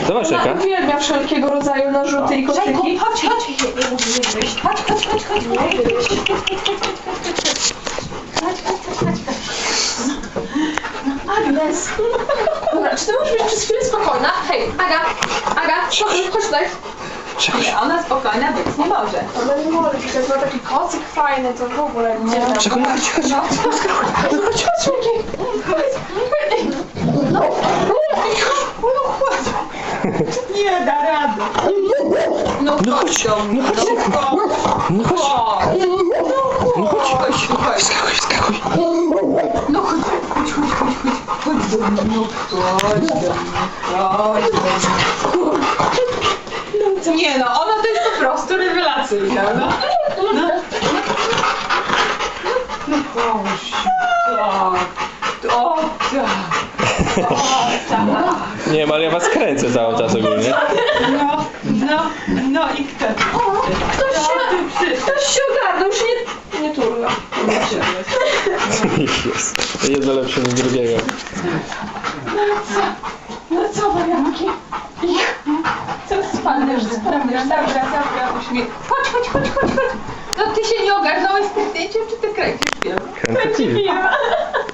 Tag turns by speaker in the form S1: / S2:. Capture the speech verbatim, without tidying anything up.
S1: Zobacz
S2: Ona
S1: jaka.
S2: uwielbia wszelkiego rodzaju narzuty i koszyki.
S3: Chodź, chodź, nie musisz wyjść. Chodź, chodź, chodź, chodź, chodź.
S2: Agnes! Dobra, czy ty możesz być przez chwilę spokojna? Hej, Aga! Aga, chodź, chodź tutaj.
S3: Nie, ona spokojna być nie może.
S2: Ona nie może, przecież ma taki kocyk fajny, to w ogóle gdzie tam?
S1: Czekaj, chodź, chodź.
S2: No, chodź, chodź, Miki. No, no, chodź.
S3: Nie da rady. No
S1: No
S3: chodź
S1: chodź,
S3: do mnie.
S1: no chodź. No chodź.
S3: Chodź.
S1: No chodź.
S3: Chodź, chodź.
S1: Skakuj, skakuj.
S3: No chodź, chodź, chodź, chodź, chodź. Chodź do mnie, no chodź do mnie. Chodź do mnie. Nie no, ona to jest po prostu rewelacyjna, no. No, no proszę, tak. O tak. O tak.
S1: Nie wiem, ale ja was kręcę cały czas ogólnie.
S3: No, no, no i kto?
S2: O, ktoś
S3: No,
S2: się,
S3: ty przyszedł.
S2: ktoś się ogarnął, już nie, nie turla.
S1: Jest. Jedno lepsze niż drugiego.
S2: No co? No co, warianki? Ich. Co spadniesz, sprawdzisz, dobra, dobra, uśmiech.
S3: Chodź, chodź, chodź, chodź, chodź. No ty się nie ogarnąłeś z tym zdjęciem, czy ty kręcisz film?
S1: Kręcę film.
S3: Film.